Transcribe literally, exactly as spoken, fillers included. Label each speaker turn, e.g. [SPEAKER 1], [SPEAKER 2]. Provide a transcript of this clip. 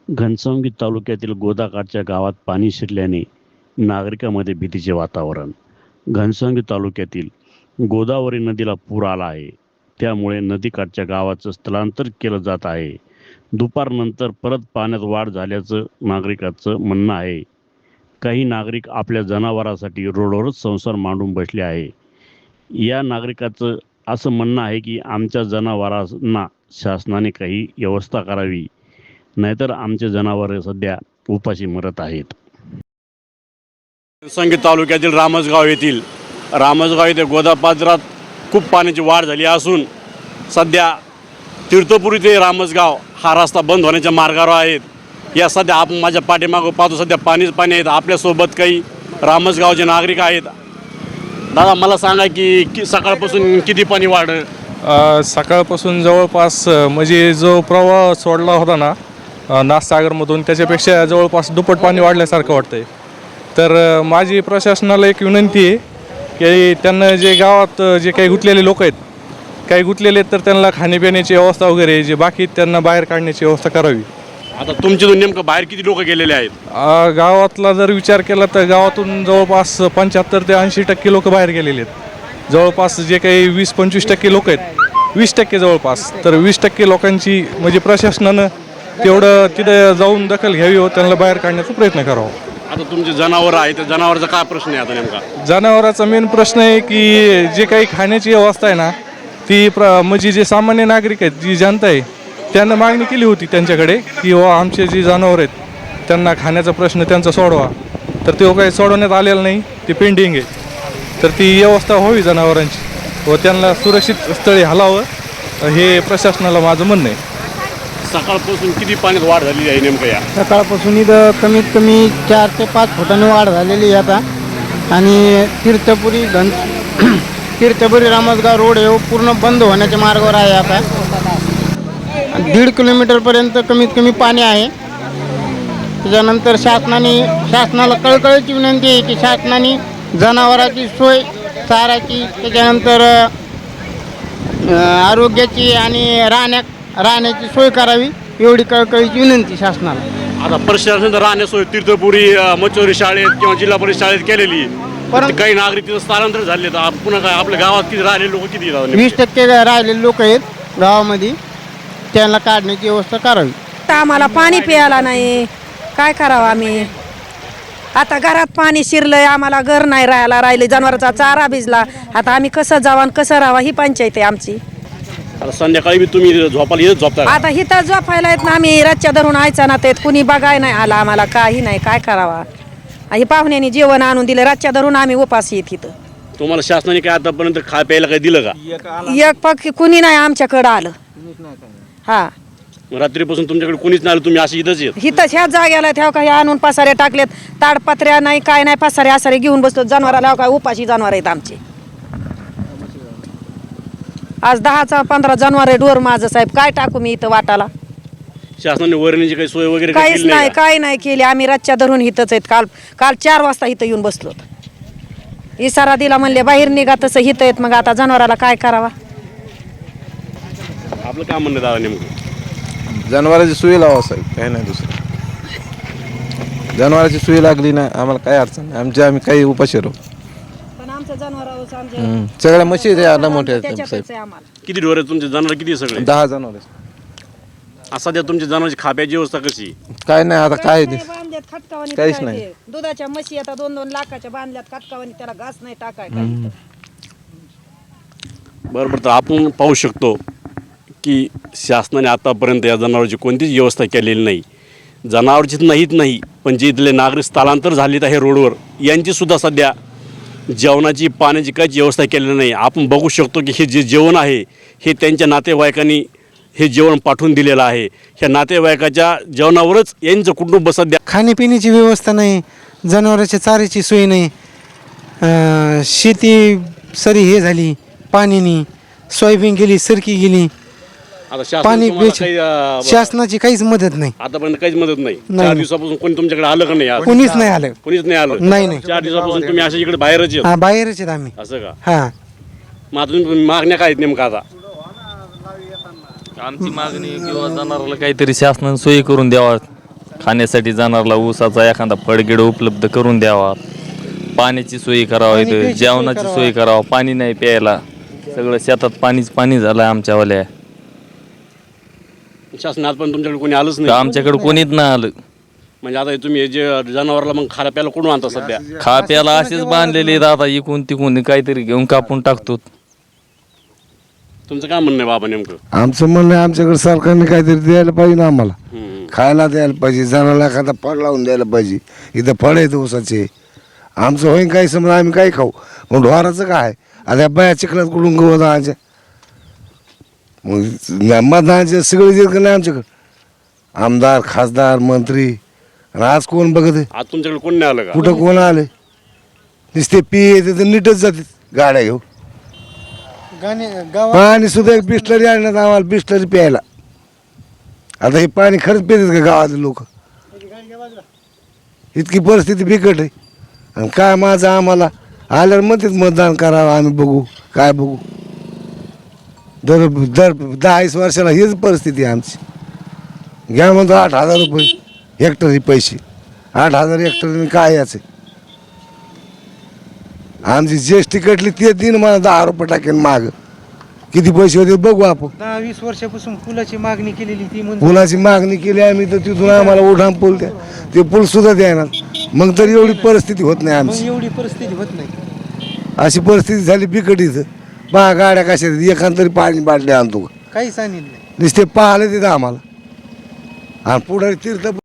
[SPEAKER 1] घनसावंगी तालुक्यातील गोदाकाठच्या गावात पाणी शिरल्याने नागरिकांमध्ये भीतीचे वातावरण. घनसावंगी तालुक्यातील गोदावरी नदीला पूर आला आहे. त्यामुळे नदीकाठच्या गावाचं स्थलांतर केलं जात आहे. दुपारनंतर परत पाण्यात वाढ झाल्याचं नागरिकांचं म्हणणं आहे. काही नागरिक आपल्या जनावरांसाठी रोडवरच संसार मांडून बसले आहे. या नागरिकाचं असं म्हणणं आहे की आमच्या जनावरांना शासनाने काही व्यवस्था करावी, नाहीतर आमचे जनावरे सध्या उपाशी मरत आहेत.
[SPEAKER 2] घनसावंगी तालुक्यातील रामसगाव येथील रामसगाव येथे गोदापात्रात खूप पाण्याची वाढ झाली असून सध्या तीर्थपुरी ते रामसगाव हा रस्ता बंद होण्याच्या मार्गावर आहेत. या सध्या आपण माझ्या पाठीमागं पाहतो सध्या पाणीच पाणी आहेत. आपल्यासोबत काही रामसगावचे नागरिक आहेत. दादा मला सांगा की कि सकाळपासून किती पाणी वाढलं?
[SPEAKER 3] सकाळपासून जवळपास म्हणजे जो प्रवाह सोडला होता ना नाथसागरमधून त्याच्यापेक्षा जवळपास दुप्पट पाणी वाढल्यासारखं वाटतंय. तर माझी प्रशासनाला एक विनंती आहे की त्यांना जे गावात जे काही गुंतलेले लोक आहेत काही गुंतलेले आहेत तर त्यांना खाण्यापिण्याची व्यवस्था वगैरे जे बाकी त्यांना बाहेर काढण्याची व्यवस्था करावी.
[SPEAKER 2] आता तुमचे नेमकं बाहेर किती लोक गेलेले आहेत?
[SPEAKER 3] गावातला जर विचार केला तर गावातून जवळपास पंच्याहत्तर ते ऐंशी टक्के लोक बाहेर गेलेले आहेत. जवळपास जे काही वीस पंचवीस टक्के लोक आहेत वीस टक्के जवळपास तर वीस टक्के लोकांची म्हणजे प्रशासनानं तेवढं तिथे जाऊन दखल घ्यावी व त्यांना बाहेर काढण्याचा प्रयत्न करावा.
[SPEAKER 2] आता तुमचे जनावरं आहेत, त्या जनावरांचा काय प्रश्न आहे आता नेमका?
[SPEAKER 3] जनावरांचा मेन प्रश्न आहे की जे काही खाण्याची व्यवस्था आहे ना ती प्र म्हणजे जे सामान्य नागरिक आहेत जी जनता आहे त्यांना मागणी केली होती त्यांच्याकडे की व आमचे जे जनावर आहेत त्यांना खाण्याचा प्रश्न त्यांचा सोडवा. तर ते काही सोडवण्यात आलेलं नाही, ते पेंडिंग आहे. तर ती व्यवस्था व्हावी जनावरांची व त्यांना सुरक्षित स्थळी हलावं हे प्रशासनाला माझं म्हणणं आहे.
[SPEAKER 2] सकाळपासून किती पाण्यात वाढ झालेली आहे नेमकं? या
[SPEAKER 4] सकाळपासून इथं कमीत कमी चार ते पाच फुटांनी वाढ झालेली आहे आता. आणि तीर्थपुरी घन तीर्थपुरी रामसगाव रोड हे पूर्ण बंद होण्याच्या मार्गावर आहे. आता दीड किलोमीटरपर्यंत कमीत कमी पाणी आहे. त्याच्यानंतर शासनाने शासनाला कळकळीची विनंती आहे की शासनाने जनावरांची सोय, चाराची, त्याच्यानंतर आरोग्याची आणि राहण्या राहण्याची सोय करावी एवढी कळकळीची विनंती शासनाला.
[SPEAKER 2] आता प्रशासन राहण्या सोय तीर्थपुरी मच्छोरी शाळेत किंवा जिल्हा परिषद शाळेत केलेली आहे.
[SPEAKER 4] परंतु
[SPEAKER 2] काही नागरिक तिथं स्थलांतर झाले तर पुन्हा काय आपल्या गावात किती राहिले लोक किती राहिले?
[SPEAKER 4] वीस टक्के राहिलेले लोक आहेत गावामध्ये, त्यांना काढण्याची व्यवस्था करावी.
[SPEAKER 5] आम्हाला पाणी प्यायला नाही, काय करावं आम्ही? आता घरात पाणी शिरलंय, आम्हाला घर नाही राहायला राहिले, जनावरांचा चारा भिजला. आता आम्ही कसं जावं आणि कसं राहावं ही पंचायत आहे आमची.
[SPEAKER 2] आता संध्याकाळी बी तुम्ही झोपायला येत झोपता?
[SPEAKER 5] आता हिथं झोपायला येत ना आम्ही रातच्या धरून आयचा ना ते कुणी बघाय नाही आला आम्हाला, काही नाही, काय करावा? ही पाहुण्यानी जेवण आणून दिलं, रातच्या धरून आम्ही उपास येत इथं.
[SPEAKER 2] तुम्हाला शासनाने काय आतापर्यंत खाय प्यायला काय दिलं का?
[SPEAKER 5] एक पक्षी कुणी नाही आमच्याकडं आलं. हा
[SPEAKER 2] रात्रीपासून तुमच्याकडे कुणीच नाही आलं, तुम्ही अशी इथंच येत?
[SPEAKER 5] हिथंच ह्याच जाग्याला ठेव काही आणून पसारे टाकलेत, ताडपत्र्या नाही, काय नाही, पसारे आसारे घेऊन बसतो. जनावराला काय उपाशी जनावर आहेत आमचे. आज दहाचा पंधरा जनावर आहे डोर माझं साहेब, काय टाकू मी इथं वाटाला?
[SPEAKER 2] शासनाने वरणीची काही सोय वगैरे
[SPEAKER 5] काहीच
[SPEAKER 2] केली
[SPEAKER 5] नाही,
[SPEAKER 2] का?
[SPEAKER 5] काही नाही केली. आम्ही रातच्या धरून इथंच आहेत. काल काल चार वाजता इथं येऊन बसलो. इशारा दिला म्हणले बाहेर निघा, तसं इथं आहेत. मग आता जनावराला काय करावा?
[SPEAKER 2] आपलं काय म्हणणं दादा नेमकं?
[SPEAKER 6] जनावरांची सोय लावा साहेब, काही नाही दुसरं. जनावरांची सोय लागली ना आम्हाला काही अडचण नाही, आमच्या आम्ही काही उपाशी राहू.
[SPEAKER 5] पण आमचं जनावर
[SPEAKER 6] सगळ्या म्हशी आहेत मोठ्या साहेब.
[SPEAKER 2] किती ढोर आहेत तुमचे जनावर? किती सगळे?
[SPEAKER 6] दहा जनावर आहेत.
[SPEAKER 2] सध्या तुमच्या जनावरची खाप्याची व्यवस्था कशी?
[SPEAKER 6] काय नाही आता काय ते
[SPEAKER 5] बांधल्यात खटकावानी,
[SPEAKER 6] काहीच नाही.
[SPEAKER 5] दुधाच्या म्हशी आता दोन दोन लाखाच्या बांधल्यात खटकावानी, त्याला घास नाही टाकाय काय.
[SPEAKER 2] बरोबर. तर आपण पाहू शकतो की शासनाने आतापर्यंत या जनावरांची कोणतीच व्यवस्था केलेली नाही. जनावरचीच नाहीत नाही पण जे इथले नागरिक स्थलांतर झालेत आहे रोडवर, यांची सुद्धा सध्या जेवणाची पाण्याची काहीच व्यवस्था केलेली नाही. आपण बघू शकतो की हे जे जेवण आहे हे त्यांच्या नातेवाईकांनी हे जेवण पाठवून दिलेलं आहे. ह्या नातेवाईकाच्या जेवणावरच यांचं कुटुंब सध्या.
[SPEAKER 7] खाण्यापिण्याची व्यवस्था नाही, जनावरांच्या चाऱ्याची सोय नाही, शेती सरी हे झाली पाण्याने, सोयाबीन गेली, सरकी गेली, पाणी शासनाची काहीच मदत नाही.
[SPEAKER 2] आतापर्यंत काहीच मदत नाही. चार दिवसापासून कोणी तुमच्याकडे आलं का नाही?
[SPEAKER 7] कोणीच नाही आलं.
[SPEAKER 2] कोणीच नाही आलं?
[SPEAKER 7] नाही नाही
[SPEAKER 2] चार दिवसापासून तुम्ही अशा इकडे बाहेरच येत?
[SPEAKER 7] हा बाहेरच आहेत आम्ही.
[SPEAKER 2] असं का?
[SPEAKER 7] हा
[SPEAKER 2] मग आता तुम्ही मागण्या काय आहेत नेमका? आता
[SPEAKER 8] आमची मागणी किंवा जनावराला काहीतरी शासनाने सोयी करून द्यावा. खाण्यासाठी जाणारला ऊसाचा एखादा फळगिड उपलब्ध करून द्यावा, पाण्याची सोयी करावा,
[SPEAKER 7] पाणी
[SPEAKER 8] इथं
[SPEAKER 7] प्यायची सोय
[SPEAKER 8] जेवणाची
[SPEAKER 7] करावा.
[SPEAKER 8] सोय करावा, पाणी नाही प्यायला, सगळं शेतात पाणीच पाणी झालं आमच्यावाल्या.
[SPEAKER 2] शासनात पण तुमच्याकडे कोणी आलंच
[SPEAKER 8] तर
[SPEAKER 2] नाही.
[SPEAKER 8] आमच्याकडे कोणीच नाही आलं.
[SPEAKER 2] म्हणजे आता हे तुम्ही हे जे जनावरला मग खायला प्यायला कुठून आणता सध्या?
[SPEAKER 8] खा प्यायला असेच बांधलेले आहेत, आता इकून तिकून काहीतरी घेऊन कापून टाकतो.
[SPEAKER 2] तुमचं काय म्हणणं आहे बाबा नेमकं?
[SPEAKER 9] आमचं म्हणणं आहे आमच्याकडे सरकारने काहीतरी द्यायला पाहिजे ना आम्हाला,
[SPEAKER 2] हम्म.
[SPEAKER 9] खायला द्यायला पाहिजे, जनाला एखादा फळ लावून द्यायला पाहिजे. इथं फळ आहेत ऊसाचे, आमचं होईन काही समजा आम्ही काय खाऊ, मग ढोराचं काय? आता या बाया चिखलात कुठून गवत आणायच्या? मग मतदानाचे सगळे जे नाही आमच्याकडे, आमदार खासदार मंत्री, आणि आज कोण बघत आहे?
[SPEAKER 2] आज तुमच्याकडे कोण नाही आलं का?
[SPEAKER 9] कुठं कोण आले? नुसते पी येते तर नीटच जाते गाड्या घेऊ.
[SPEAKER 7] गाणे गावात
[SPEAKER 9] पाणी सुद्धा एक बिस्लरी आणण्यात आम्हाला, बिस्लरी प्यायला. आता हे पाणी खरंच पितात का गावातले लोक? इतकी परिस्थिती बिकट आहे. आणि काय माझं आम्हाला आल्यावर म्हणतात मतदान करावं, आम्ही बघू काय बघू. दर दर दहा वीस वर्षाला हीच परिस्थिती आहे आमची. घ्या म्हणतो आठ हजार रुपये हेक्टरी पैसे, आठ हजार हेक्टरने काय याचे? आमची जी एस टी कटली ते दिन मला दहा रुपये टाकेन माग. किती पैसे होते बघू आपण.
[SPEAKER 7] दहा वीस वर्षापासून पुलाची मागणी केलेली ती मंजूर.
[SPEAKER 9] पुलाची मागणी केली आम्ही, तर तिथून आम्हाला उड्डाण पूल द्या, ते पूल सुद्धा द्यायना. मग तर एवढी परिस्थिती होत नाही
[SPEAKER 7] मग
[SPEAKER 9] आमची.
[SPEAKER 7] एवढी परिस्थिती होत नाही.
[SPEAKER 9] अशी परिस्थिती झाली बिकट इथं. पहा गाड्या कशा आहेत, एखाद तरी पाणी बाटली आणतो का?
[SPEAKER 7] काहीच आणील नाही.
[SPEAKER 9] नुसते पाहिले तिथं आम्हाला. आणि पुढे तीर्थ